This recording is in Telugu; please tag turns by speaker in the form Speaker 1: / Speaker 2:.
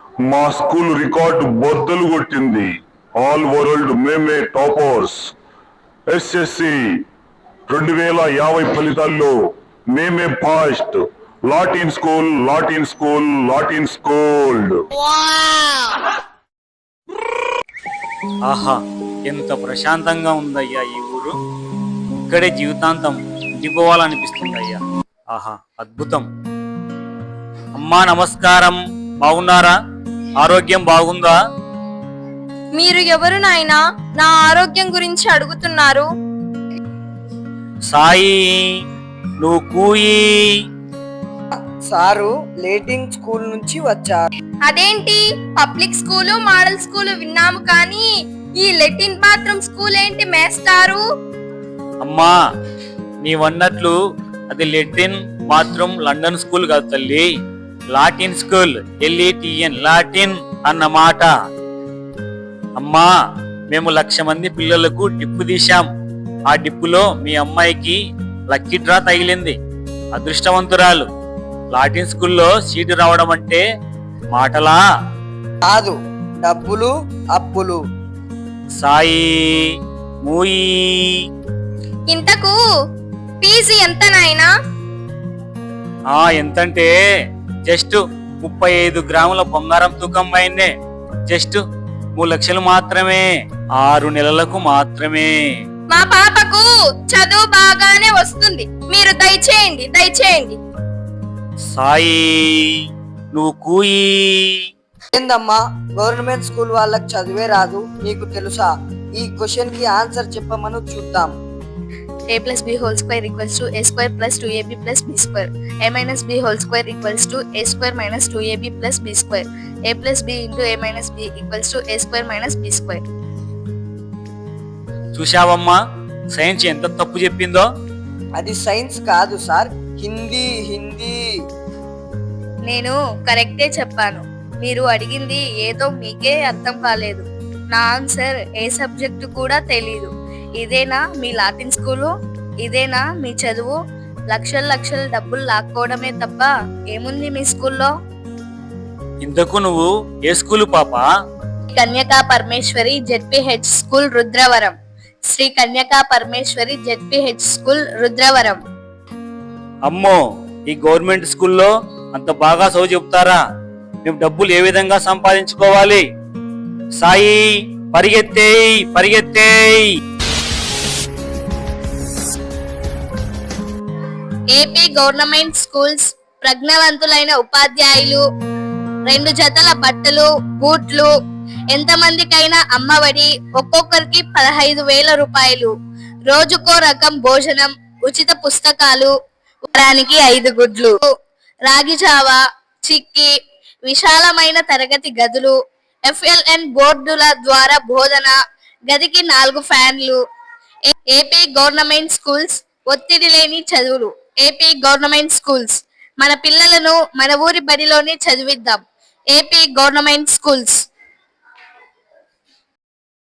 Speaker 1: మా స్కూల్ రికార్డు బద్దలు కొట్టింది. ఆల్ వరల్డ్ మేమే టాపర్స్. ఎస్ఎస్సి 2050 ఫలితాల్లో మేమే fast. Latin school, Latin school, Latin school.
Speaker 2: ఆహా, ఎంత ప్రశాంతంగా ఉందయ్యా ఈ ఊరు. ఇక్కడే జీవితాంతం ఉండిపోవాలనిపిస్తుందయ్యా. ఆహా, అద్భుతం. అమ్మా నమస్కారం, బాగున్నారా? ఆరోగ్యం బాగుందా?
Speaker 3: మీరు ఎవరు నాయనా నా ఆరోగ్యం గురించి అడుగుతున్నారు?
Speaker 2: సాయి, నువ్వు కూయి.
Speaker 4: సారు లేటింగ్ స్కూల్ నుంచి వచ్చారు.
Speaker 3: అదేంటి, పబ్లిక్ స్కూలు మోడల్ స్కూలు విన్నాము కానీ ఈ లెటిన్ బాత్రూమ్ స్కూల్ ఏంటి మేస్తారు?
Speaker 2: అమ్మా, నీవన్నట్లు అది లెటిన్ బాత్రూమ్ లండన్ స్కూల్ కాదు తల్లి, లాటిన్ స్కూల్. LATIN, లాటిన్ అన్నమాట. అమ్మా, మేము 1,00,000 మంది పిల్లలకు డిప్పు తీశాం. ఆ డిప్పులో మీ అమ్మాయికి లక్కీ డ్రా తగిలింది. అదృష్టవంతురాలు. లాటిన్ స్కూల్లో సీటు రావడం అంటే మాటలా?
Speaker 4: కాదు, డబ్బులు అప్పులు.
Speaker 2: సాయి, మూయి.
Speaker 3: ఇంతకు ఫీజు ఎంత నాయనా?
Speaker 2: ఎంతంటే జస్ట్ 35 గ్రాముల బంగారం తూకం పైనే. జస్ట్ 3 లక్షలు మాత్రమే. 6 నెలలకు మాత్రమే.
Speaker 3: మా పాపకు చదువు బాగానే వస్తుంది, మీరు దయచేయండి.
Speaker 2: సాయి, నువ్వు కూయి.
Speaker 4: ఏందమ్మా, గవర్నమెంట్ స్కూల్ వాళ్ళకి చదివే రాదు, నీకు తెలుసా? ఈ క్వశ్చన్ కి ఆన్సర్ చెప్పమను చూద్దాం.
Speaker 3: a plus b whole square equals to a square plus 2ab plus b square. a minus b whole square equals to a square minus 2ab plus b square. a plus b into a minus b equals to a square minus b square.
Speaker 2: చూశావమ్మా, సైన్స్ ఎంత తప్పు చెప్పిందో.
Speaker 4: అది సైన్స్ కాదు సార్, హిందీ.
Speaker 3: నేను కరెక్టే చెప్పాను, మీరు అడిగింది ఏదో మీకే అర్థం కాలేదు. నా ఆన్సర్ ఏ సబ్జెక్టు కూడా తెలీదు. ఇదేనా మీ లాటిన్ స్కూలు? ఇదేనా మీ చదువు? లక్షల డబ్బులు లాక్కోవడమే తప్ప ఏముంది మీ స్కూల్లో?
Speaker 2: ఇంతకు నువ్వు ఏ స్కూలు పాపా?
Speaker 3: Kanyaka Parameswari ZPH school Rudravaram. Sri Kanyaka Parameswari ZPH school Rudravaram.
Speaker 2: అమ్మో, ఈ గవర్నమెంట్ స్కూల్లో అంత బాగా చదువు చెప్తారా? మేము డబ్బులు ఏ విధంగా సంపాదించుకోవాలి? సాయి, పరిగెత్తేయ్.
Speaker 3: ఏపీ గవర్నమెంట్ స్కూల్స్ ప్రజ్ఞావంతులైన ఉపాధ్యాయులు, 2 జతల బట్టలు, బూట్లు, ఎంతమందికైనా అమ్మఒడి, ఒక్కొక్కరికి 15,000 రూపాయలు, రోజుకో రకం భోజనం, ఉచిత పుస్తకాలు, వారానికి 5 గుడ్లు, రాగి జావా, చిక్కీ, విశాలమైన తరగతి గదులు, FLN బోర్డుల ద్వారా బోధన, గదికి 4 ఫ్యాన్లు. ఏపీ గవర్నమెంట్ స్కూల్స్ ఒత్తిడి లేని చదువులు. AP government schools. మన పిల్లలను మన ఊరి బడిలోనే చదివిద్దాం. AP government schools.